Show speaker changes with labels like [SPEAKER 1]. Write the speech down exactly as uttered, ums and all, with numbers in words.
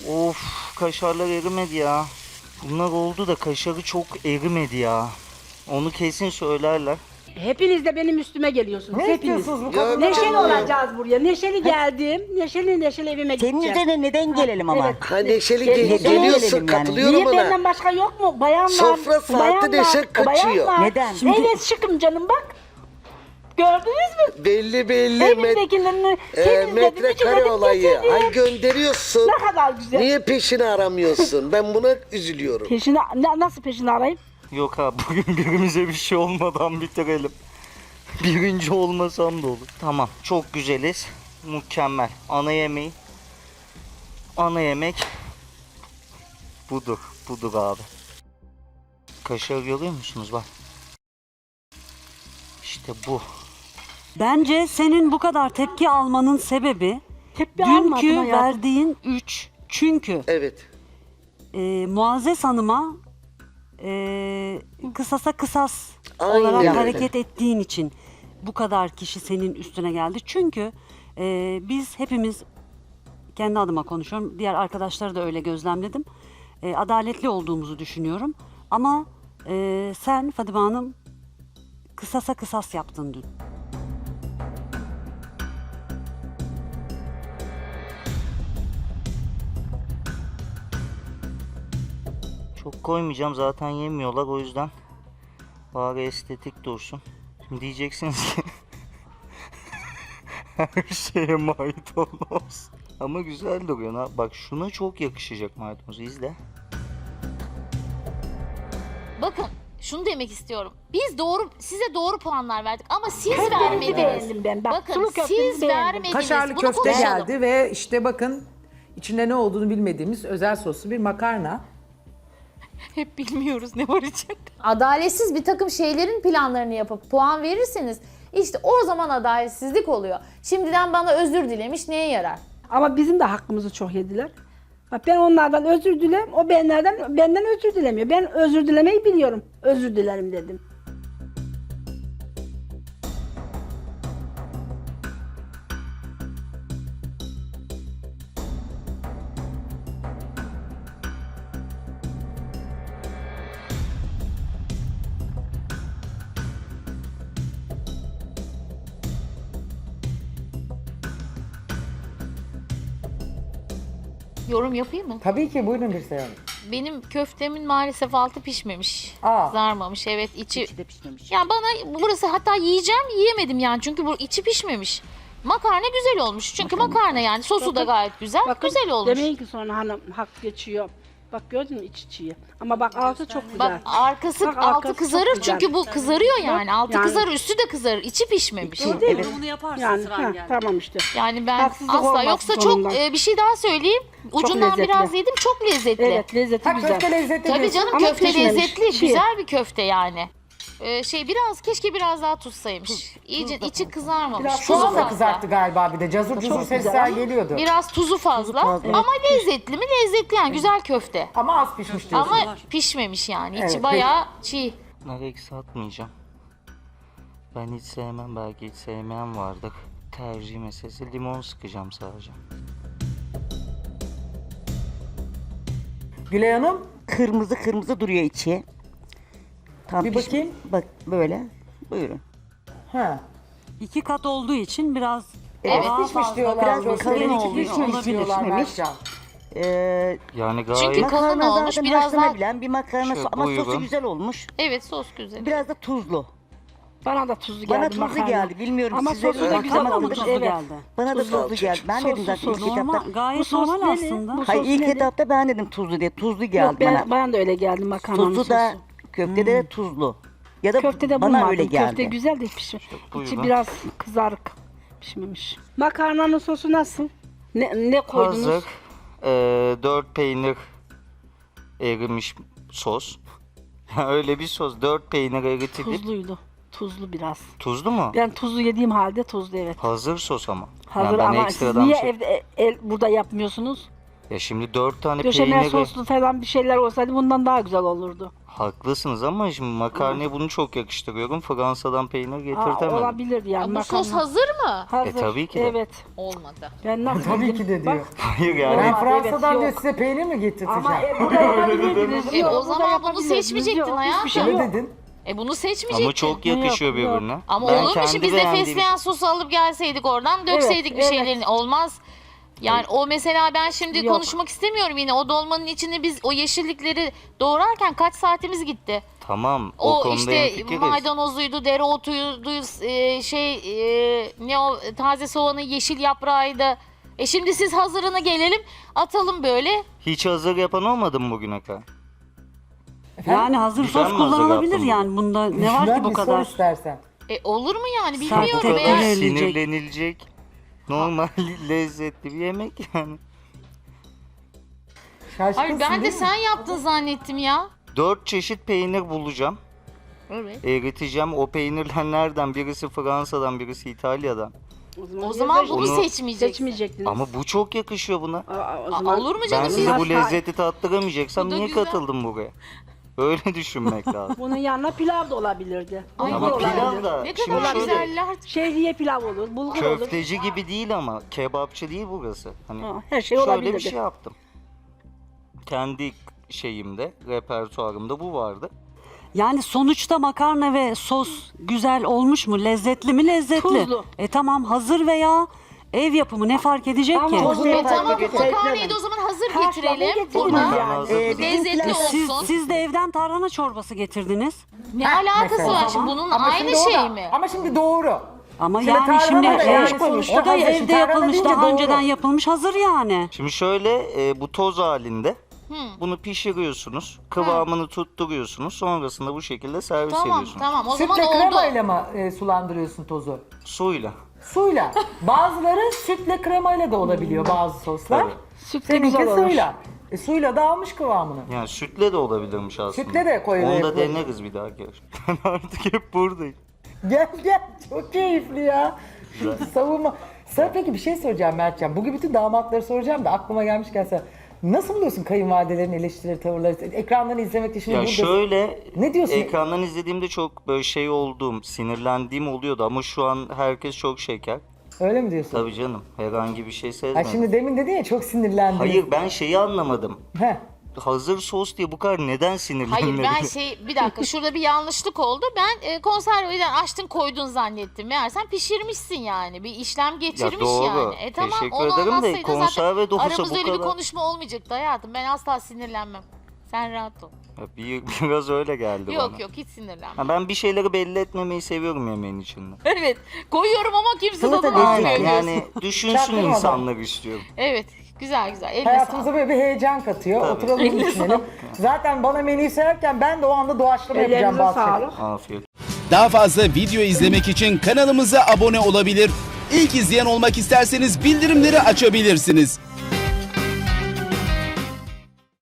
[SPEAKER 1] Of, kaşarlar erimedi ya. Bunlar oldu da kaşarı çok erimedi ya. Onu kesin söylerler.
[SPEAKER 2] Hepiniz de benim üstüme geliyorsunuz.
[SPEAKER 3] Ne
[SPEAKER 2] Hepiniz.
[SPEAKER 3] istiyorsunuz bu kadar?
[SPEAKER 2] Neşeli olacağız buraya. Neşeli geldim. Neşeli neşeli evime
[SPEAKER 4] Senin
[SPEAKER 2] gideceğim.
[SPEAKER 4] üzerine neden gelelim ama?
[SPEAKER 2] Evet.
[SPEAKER 5] Ha neşeli
[SPEAKER 2] Gel-
[SPEAKER 5] ge-
[SPEAKER 2] neden
[SPEAKER 5] geliyorsun,
[SPEAKER 4] gelelim yani?
[SPEAKER 5] katılıyorum
[SPEAKER 2] Niye
[SPEAKER 5] ona.
[SPEAKER 2] benden başka yok mu? Bayan var.
[SPEAKER 5] Sofra saati
[SPEAKER 2] bayan var,
[SPEAKER 5] neşe kaçıyor.
[SPEAKER 2] bayan var.
[SPEAKER 4] Neden?
[SPEAKER 2] Evet şıkım canım bak. Gördünüz mü?
[SPEAKER 5] Belli belli met,
[SPEAKER 2] Evindekilerini
[SPEAKER 5] e,
[SPEAKER 2] temizledim,
[SPEAKER 5] metrekare
[SPEAKER 2] ütüledim,
[SPEAKER 5] olayı.
[SPEAKER 2] getirdim.
[SPEAKER 5] Ay gönderiyorsun.
[SPEAKER 2] Ne kadar güzel.
[SPEAKER 5] Niye peşini aramıyorsun? Ben buna üzülüyorum.
[SPEAKER 2] Peşini, na- nasıl peşini arayayım?
[SPEAKER 1] Yok abi, bugün birimize bir şey olmadan bitirelim. Birinci olmasam da olur. Tamam, çok güzeliz. Mükemmel. Ana yemeği. Ana yemek. Budur. Budur abi. Kaşığı görüyor musunuz? Bak. İşte bu.
[SPEAKER 6] Bence senin bu kadar tepki almanın sebebi
[SPEAKER 2] Tepki almadım
[SPEAKER 6] dünkü
[SPEAKER 2] hayatım.
[SPEAKER 6] verdiğin üç. Çünkü
[SPEAKER 5] Evet.
[SPEAKER 6] e, Muazzez Hanım'a e, kısasa kısas
[SPEAKER 5] Aynen
[SPEAKER 6] olarak
[SPEAKER 5] öyle.
[SPEAKER 6] hareket ettiğin için bu kadar kişi senin üstüne geldi. Çünkü e, biz hepimiz, kendi adıma konuşuyorum, diğer arkadaşları da öyle gözlemledim. E, adaletli olduğumuzu düşünüyorum. Ama e, sen Fadime Hanım kısasa kısas yaptın dün.
[SPEAKER 1] Çok koymayacağım, zaten yemiyorlar, o yüzden bari estetik dursun. Şimdi diyeceksiniz ki her şeye maydanoz. Ama güzel duruyor. Ha. Bak şuna çok yakışacak maydanoz, izle.
[SPEAKER 7] Bakın şunu demek istiyorum. Biz doğru size doğru puanlar verdik ama siz
[SPEAKER 2] Köftenizi
[SPEAKER 7] vermediniz.
[SPEAKER 2] beğendim ben. Bak,
[SPEAKER 7] Bakın
[SPEAKER 2] sulu köftenizi
[SPEAKER 7] siz
[SPEAKER 2] beğendim.
[SPEAKER 7] vermediniz.
[SPEAKER 3] Kaşarlı
[SPEAKER 7] Bunu
[SPEAKER 3] köfte
[SPEAKER 7] konuşalım.
[SPEAKER 3] geldi ve işte bakın içinde ne olduğunu bilmediğimiz özel soslu bir makarna.
[SPEAKER 7] Hep bilmiyoruz ne var içinde.
[SPEAKER 8] Adaletsiz bir takım şeylerin planlarını yapıp puan verirseniz işte o zaman adaletsizlik oluyor. Şimdiden bana özür dilemiş neye yarar?
[SPEAKER 2] Ama bizim de hakkımızı çok yediler. Bak ben onlardan özür dilem, o benlerden benden özür dilemiyor. Ben özür dilemeyi biliyorum. Özür dilerim dedim.
[SPEAKER 7] Yorum yapayım mı?
[SPEAKER 3] Tabii ki, buyurun bir Hanım.
[SPEAKER 7] Benim köftemin maalesef altı pişmemiş.
[SPEAKER 3] Aa.
[SPEAKER 7] Kızarmamış, evet, içi.
[SPEAKER 4] İçi de pişmemiş.
[SPEAKER 7] Yani bana burası, hatta yiyeceğim, yiyemedim yani çünkü bu içi pişmemiş. Makarna güzel olmuş çünkü makarna yani sosu da gayet güzel,
[SPEAKER 2] Bakın,
[SPEAKER 7] güzel olmuş.
[SPEAKER 2] demeyin ki sonra hanım hak geçiyor. Bak gördün mü iç içiyi. Ama bak altı çok güzel.
[SPEAKER 7] Bak arkası
[SPEAKER 2] Bak,
[SPEAKER 7] altı
[SPEAKER 2] arkası çok
[SPEAKER 7] kızarır
[SPEAKER 2] güzel.
[SPEAKER 7] çünkü bu kızarıyor yani. Altı
[SPEAKER 2] Yani-
[SPEAKER 7] kızarır, üstü de kızarır, içi pişmemiş.
[SPEAKER 6] Evet. Bunu yaparsın
[SPEAKER 2] yani
[SPEAKER 6] sıran
[SPEAKER 2] ha,
[SPEAKER 6] geldi.
[SPEAKER 2] tamam işte.
[SPEAKER 7] Yani ben
[SPEAKER 2] Haksızlık
[SPEAKER 7] asla,
[SPEAKER 2] olmaz
[SPEAKER 7] yoksa
[SPEAKER 2] sonunda.
[SPEAKER 7] çok e, bir şey daha söyleyeyim. Ucundan
[SPEAKER 2] lezzetli.
[SPEAKER 7] biraz yedim, çok lezzetli.
[SPEAKER 2] Evet lezzeti
[SPEAKER 3] Ha,
[SPEAKER 2] güzel.
[SPEAKER 3] köfte lezzetli
[SPEAKER 7] Tabii
[SPEAKER 3] diyorsun.
[SPEAKER 7] canım,
[SPEAKER 2] Ama
[SPEAKER 7] köfte
[SPEAKER 2] pişmemiş.
[SPEAKER 7] lezzetli,
[SPEAKER 2] Çiğ.
[SPEAKER 7] güzel bir köfte yani. Ee, şey biraz, keşke biraz daha tuzsaymış. İyice içi kızarmamış.
[SPEAKER 3] Biraz
[SPEAKER 7] Tuzu
[SPEAKER 3] soğan da
[SPEAKER 7] fazla.
[SPEAKER 3] kızarttı galiba bir de. Cazur cazur
[SPEAKER 2] Çok güzel
[SPEAKER 3] sesler
[SPEAKER 2] ama
[SPEAKER 3] geliyordu.
[SPEAKER 7] Biraz tuzu fazla,
[SPEAKER 4] fazla.
[SPEAKER 7] ama lezzetli mi? Lezzetli yani, güzel köfte.
[SPEAKER 3] Ama az pişmiş diyorsun.
[SPEAKER 7] Ama pişmemiş yani. İçi
[SPEAKER 3] Evet,
[SPEAKER 7] bayağı çiğ.
[SPEAKER 1] Bunları eksi atmayacağım. Ben hiç sevmem, belki hiç sevmeyen vardır. Tercih meselesi, limon sıkacağım sadece.
[SPEAKER 3] Gülay Hanım,
[SPEAKER 4] Kırmızı kırmızı duruyor içi. Tam
[SPEAKER 3] Bir
[SPEAKER 4] piş-
[SPEAKER 3] bakayım.
[SPEAKER 4] Bak böyle. Buyurun.
[SPEAKER 3] ha.
[SPEAKER 6] İki kat olduğu için biraz
[SPEAKER 7] Evet,
[SPEAKER 6] daha
[SPEAKER 3] Pişmiş
[SPEAKER 6] fazla.
[SPEAKER 3] diyorlar.
[SPEAKER 4] Biraz
[SPEAKER 3] köfteleri
[SPEAKER 4] kalın
[SPEAKER 3] içi
[SPEAKER 4] oluyor.
[SPEAKER 3] pişmemiş
[SPEAKER 4] Olabilir,
[SPEAKER 3] diyorlar
[SPEAKER 4] pişmemiş.
[SPEAKER 3] Mertcan.
[SPEAKER 4] Ee,
[SPEAKER 1] Yani gayet...
[SPEAKER 7] Çünkü kalın
[SPEAKER 4] makarna
[SPEAKER 7] olmuş,
[SPEAKER 4] zaten
[SPEAKER 7] biraz daha...
[SPEAKER 4] haşlanabilen bir makarna
[SPEAKER 1] Şöyle
[SPEAKER 4] ama sosu
[SPEAKER 1] buyurun.
[SPEAKER 4] güzel olmuş.
[SPEAKER 7] Evet, sos güzel.
[SPEAKER 4] Biraz da tuzlu.
[SPEAKER 2] Bana da tuzlu geldi
[SPEAKER 4] Bana tuzlu
[SPEAKER 2] makarna.
[SPEAKER 4] geldi. Bilmiyorum
[SPEAKER 2] Ama
[SPEAKER 4] size
[SPEAKER 2] sosu da
[SPEAKER 4] bakın
[SPEAKER 2] güzel
[SPEAKER 4] ama
[SPEAKER 2] olmuş.
[SPEAKER 6] tuzlu
[SPEAKER 2] Evet.
[SPEAKER 6] geldi.
[SPEAKER 4] Bana da
[SPEAKER 5] Tuzlu
[SPEAKER 4] tuzlu geldi. Ben
[SPEAKER 2] Soslu,
[SPEAKER 4] dedim zaten ilk
[SPEAKER 2] soslu.
[SPEAKER 6] Normal,
[SPEAKER 4] etapta.
[SPEAKER 6] gayet
[SPEAKER 2] Bu sos
[SPEAKER 6] normal
[SPEAKER 2] neli?
[SPEAKER 6] aslında.
[SPEAKER 2] Bu
[SPEAKER 4] Hayır,
[SPEAKER 2] sos
[SPEAKER 4] ilk
[SPEAKER 2] neli?
[SPEAKER 4] etapta ben dedim tuzlu diye. Tuzlu geldi
[SPEAKER 2] Yok, ben,
[SPEAKER 4] bana.
[SPEAKER 2] bana da öyle geldi makarnanın
[SPEAKER 4] Sosu
[SPEAKER 2] sosu.
[SPEAKER 4] da köftede de tuzlu. Ya da
[SPEAKER 2] Köftede
[SPEAKER 4] bana
[SPEAKER 2] bulmadım.
[SPEAKER 4] öyle geldi.
[SPEAKER 2] Köfte güzel de pişmiş.
[SPEAKER 1] buyurun.
[SPEAKER 2] İçi biraz kızarık pişmemiş. Makarnanın sosu nasıl? Ne, ne koydunuz?
[SPEAKER 1] Hazır. Ee, dört peynir erimiş sos. Öyle bir sos. Dört peynir eritilip.
[SPEAKER 2] Tuzluydu. Tuzlu biraz.
[SPEAKER 1] Tuzlu mu?
[SPEAKER 2] Ben tuzlu yediğim halde tuzlu evet.
[SPEAKER 1] Hazır sos ama.
[SPEAKER 2] Hazır
[SPEAKER 1] Yani ben
[SPEAKER 2] ama siz
[SPEAKER 1] ekstradan
[SPEAKER 2] niye
[SPEAKER 1] şey-
[SPEAKER 2] evde e, el, burada yapmıyorsunuz?
[SPEAKER 1] Ya şimdi dört tane
[SPEAKER 2] Döşemel
[SPEAKER 1] peyniri...
[SPEAKER 2] soslu falan bir şeyler olsaydı bundan daha güzel olurdu.
[SPEAKER 1] Haklısınız ama şimdi makarnaya bunu çok yakıştırıyorum. Fransa'dan peynir
[SPEAKER 2] Aa,
[SPEAKER 1] getirtemedim.
[SPEAKER 2] olabilir yani.
[SPEAKER 7] Bu sos
[SPEAKER 2] makarna.
[SPEAKER 7] hazır mı?
[SPEAKER 2] Hazır.
[SPEAKER 1] E, tabii ki de.
[SPEAKER 2] Evet.
[SPEAKER 7] Olmadı.
[SPEAKER 2] Ben nasıl
[SPEAKER 3] Tabii
[SPEAKER 2] bildim?
[SPEAKER 3] ki de diyor.
[SPEAKER 2] Bak,
[SPEAKER 1] Hayır
[SPEAKER 3] Ben
[SPEAKER 1] yani.
[SPEAKER 2] Evet,
[SPEAKER 3] Fransa'dan
[SPEAKER 2] yok.
[SPEAKER 3] diyor size peynir mi getirteceğim?
[SPEAKER 2] ama e, burada yapabilirdiniz.
[SPEAKER 7] E,
[SPEAKER 2] Yok,
[SPEAKER 7] o
[SPEAKER 2] burada
[SPEAKER 7] zaman bunu
[SPEAKER 2] yapabilirdiniz.
[SPEAKER 7] seçmeyecektin
[SPEAKER 2] Yok,
[SPEAKER 7] hayatım.
[SPEAKER 2] hiçbir şey
[SPEAKER 3] Ne
[SPEAKER 2] yok.
[SPEAKER 3] dedin?
[SPEAKER 7] E bunu seçmeyecektin.
[SPEAKER 1] Ama çok yakışıyor
[SPEAKER 2] Yok, yok.
[SPEAKER 1] birbirine.
[SPEAKER 7] Ama
[SPEAKER 1] Ben
[SPEAKER 7] olur mu
[SPEAKER 1] kendi
[SPEAKER 7] şimdi biz de
[SPEAKER 1] beğendiğim
[SPEAKER 7] fesleğen sosu alıp gelseydik oradan dökseydik bir
[SPEAKER 2] evet.
[SPEAKER 7] şeylerin olmaz. Yani o mesela ben şimdi
[SPEAKER 2] Yok.
[SPEAKER 7] konuşmak istemiyorum yine o dolmanın içinde biz o yeşillikleri doğrarken kaç saatimiz gitti.
[SPEAKER 1] Tamam o,
[SPEAKER 7] O,
[SPEAKER 1] konuda
[SPEAKER 7] işte
[SPEAKER 1] hemfikiriz.
[SPEAKER 7] maydanozuydu, dereotuydu, e, şey e, ne o taze soğanı, yeşil yaprağıydı. E şimdi siz hazırını gelelim atalım böyle.
[SPEAKER 1] Hiç hazır yapan olmadı mı bugüne kadar?
[SPEAKER 6] Yani hazır
[SPEAKER 1] Güzel
[SPEAKER 6] sos
[SPEAKER 1] mi hazır
[SPEAKER 6] kullanılabilir
[SPEAKER 1] yaptın
[SPEAKER 6] yani bunda ne var
[SPEAKER 3] Ben
[SPEAKER 6] ki bu
[SPEAKER 3] bir sor
[SPEAKER 6] kadar?
[SPEAKER 3] istersen.
[SPEAKER 7] E olur mu yani
[SPEAKER 1] Bu
[SPEAKER 7] bilmiyorum
[SPEAKER 6] Tek
[SPEAKER 1] kadar
[SPEAKER 7] veya...
[SPEAKER 6] öyle-
[SPEAKER 1] sinirlenilecek normal lezzetli bir yemek yani.
[SPEAKER 3] Şaşkınsın
[SPEAKER 7] Hayır ben de
[SPEAKER 3] değil mi?
[SPEAKER 7] sen yaptın zannettim ya.
[SPEAKER 1] Dört çeşit peynir bulacağım.
[SPEAKER 7] Evet.
[SPEAKER 1] Eriteceğim. O peynirler nereden? Birisi Fransa'dan, birisi İtalya'dan.
[SPEAKER 7] O zaman bunu
[SPEAKER 1] Onu-
[SPEAKER 7] seçmeyeceksin.
[SPEAKER 2] Seçmeyecektiniz.
[SPEAKER 1] Ama bu çok yakışıyor buna.
[SPEAKER 2] Aa, o
[SPEAKER 7] Aa,
[SPEAKER 2] zaman-
[SPEAKER 7] olur mu
[SPEAKER 1] Ben
[SPEAKER 7] canım?
[SPEAKER 1] size bu
[SPEAKER 2] Hayır.
[SPEAKER 1] lezzeti tattıramayacaksam
[SPEAKER 7] Bu da
[SPEAKER 1] niye
[SPEAKER 7] güzel.
[SPEAKER 1] katıldım buraya? Öyle düşünmek lazım.
[SPEAKER 2] Bunun yanına pilav da olabilirdi.
[SPEAKER 7] Ay,
[SPEAKER 2] Bulgur
[SPEAKER 1] Ama
[SPEAKER 2] olabilir.
[SPEAKER 1] pilav da
[SPEAKER 7] Ne
[SPEAKER 1] şimdi
[SPEAKER 7] kadar
[SPEAKER 1] şöyle
[SPEAKER 7] güzeller.
[SPEAKER 2] Şehriye pilav olur, bulgur olur.
[SPEAKER 1] köfteci gibi değil ama kebapçı değil burası. Hani
[SPEAKER 2] Ha, her şey
[SPEAKER 1] şöyle
[SPEAKER 2] olabilirdi.
[SPEAKER 1] bir şey yaptım. Kendi şeyimde, repertuarımda bu vardı.
[SPEAKER 6] Yani sonuçta makarna ve sos güzel olmuş mu? Lezzetli mi? Lezzetli.
[SPEAKER 2] Tuzlu.
[SPEAKER 6] E tamam hazır veya ev yapımı ne fark edecek
[SPEAKER 2] Tamam,
[SPEAKER 6] ki?
[SPEAKER 2] tuzlu.
[SPEAKER 7] E
[SPEAKER 2] Yok,
[SPEAKER 7] tamam
[SPEAKER 2] hayır,
[SPEAKER 7] makarnayı da o zaman hazır
[SPEAKER 2] Haşlamayı
[SPEAKER 7] getirelim.
[SPEAKER 2] getirdiniz
[SPEAKER 7] Buradan
[SPEAKER 1] Makarna
[SPEAKER 2] yani.
[SPEAKER 1] hazır.
[SPEAKER 2] Ee,
[SPEAKER 7] lezzetli
[SPEAKER 2] bizimkiler-
[SPEAKER 6] Siz,
[SPEAKER 7] olsun.
[SPEAKER 6] siz de evden tarhana çorbası getirdiniz.
[SPEAKER 7] Ne alakası
[SPEAKER 3] mesela.
[SPEAKER 7] var şimdi bunun
[SPEAKER 3] Ama
[SPEAKER 7] aynı
[SPEAKER 3] şimdi o da-
[SPEAKER 7] şey mi?
[SPEAKER 3] Ama şimdi doğru.
[SPEAKER 6] Ama
[SPEAKER 3] Şimdi
[SPEAKER 6] yani
[SPEAKER 3] tarhana
[SPEAKER 6] şimdi
[SPEAKER 3] da
[SPEAKER 6] e,
[SPEAKER 3] yani
[SPEAKER 6] o
[SPEAKER 3] sonuçta
[SPEAKER 6] da
[SPEAKER 3] hazır. Şimdi
[SPEAKER 6] evde
[SPEAKER 3] tarhana
[SPEAKER 6] yapılmış,
[SPEAKER 3] deyince
[SPEAKER 6] daha
[SPEAKER 3] doğru.
[SPEAKER 6] önceden yapılmış hazır yani.
[SPEAKER 1] Şimdi şöyle e, bu toz halinde bunu pişiriyorsunuz. Kıvamını tutturuyorsunuz. Sonrasında bu şekilde servis
[SPEAKER 7] Tamam
[SPEAKER 1] ediyorsunuz.
[SPEAKER 7] tamam o zaman
[SPEAKER 3] Sütle
[SPEAKER 7] oldu.
[SPEAKER 3] kremayla mı e, sulandırıyorsun tozu?
[SPEAKER 1] Suyla.
[SPEAKER 3] Suyla. Bazıları sütle kremayla da olabiliyor bazı soslar.
[SPEAKER 1] Tabii.
[SPEAKER 2] Sütle
[SPEAKER 3] Seninki
[SPEAKER 2] güzel olur.
[SPEAKER 3] suyla. E, suyla da almış kıvamını.
[SPEAKER 1] Yani sütle de olabilirmiş aslında.
[SPEAKER 3] Sütle de koyuyor.
[SPEAKER 1] Onu da deneriz bir dahaki. Ben artık hep buradayım.
[SPEAKER 3] Gel gel çok keyifli ya. Savunma. Sen peki bir şey soracağım Mertcan. Bugün bütün damatları soracağım da aklıma gelmişken sen. Nasıl buluyorsun kayınvalidelerin eleştirileri, tavırları? Ekrandan izlemekte şimdi
[SPEAKER 1] Ya
[SPEAKER 3] burada...
[SPEAKER 1] şöyle
[SPEAKER 3] Ne diyorsun?
[SPEAKER 1] ekrandan izlediğimde çok böyle şey olduğum, sinirlendiğim oluyordu ama şu an herkes çok şeker.
[SPEAKER 3] Öyle mi diyorsun?
[SPEAKER 1] Tabii canım herhangi bir şey
[SPEAKER 3] Ha,
[SPEAKER 1] sezmedim.
[SPEAKER 3] şimdi demin dedin ya çok sinirlendim.
[SPEAKER 1] Hayır ben şeyi anlamadım.
[SPEAKER 3] Heh.
[SPEAKER 1] Hazır sos diye bu kadar neden sinirlenmedi?
[SPEAKER 7] Hayır ben şey bir dakika şurada bir yanlışlık oldu. Ben e, konserveden açtın koydun zannettim. Meğersem pişirmişsin yani. Bir işlem geçirmiş
[SPEAKER 1] doğru.
[SPEAKER 7] yani. E tamam
[SPEAKER 1] Teşekkür
[SPEAKER 7] onu
[SPEAKER 1] ederim de
[SPEAKER 7] anlatsaydın
[SPEAKER 1] konserve de
[SPEAKER 7] zaten
[SPEAKER 1] olsa
[SPEAKER 7] aramızda
[SPEAKER 1] bu
[SPEAKER 7] öyle bir
[SPEAKER 1] kadar-
[SPEAKER 7] konuşma olmayacaktı hayatım. Ben asla sinirlenmem. Sen rahat ol.
[SPEAKER 1] Ya bir, biraz öyle geldi
[SPEAKER 7] Yok
[SPEAKER 1] bana.
[SPEAKER 7] yok hiç sinirlenmem.
[SPEAKER 1] Ha, ben bir şeyleri belli etmemeyi seviyorum yemeğin içinde.
[SPEAKER 7] Evet koyuyorum ama kimse
[SPEAKER 3] Salata
[SPEAKER 7] tadını
[SPEAKER 3] değil.
[SPEAKER 7] almıyor.
[SPEAKER 1] Aynen
[SPEAKER 7] diyorsun.
[SPEAKER 1] yani düşünsün
[SPEAKER 3] Çaktırmadan.
[SPEAKER 1] insanlar istiyorum.
[SPEAKER 7] Evet güzel güzel. Eline
[SPEAKER 3] Hayatımıza
[SPEAKER 7] sağlık.
[SPEAKER 3] böyle bir heyecan katıyor.
[SPEAKER 1] Tabii.
[SPEAKER 3] Oturalım düşünelim. Zaten bana menüyü sayarken ben de o anda doğaçlama yapacağım
[SPEAKER 2] Ellerinize
[SPEAKER 3] bazı şeyler.
[SPEAKER 2] sağlık.
[SPEAKER 1] Afiyet.
[SPEAKER 9] Daha fazla video izlemek için kanalımıza abone olabilir. İlk izleyen olmak isterseniz bildirimleri açabilirsiniz.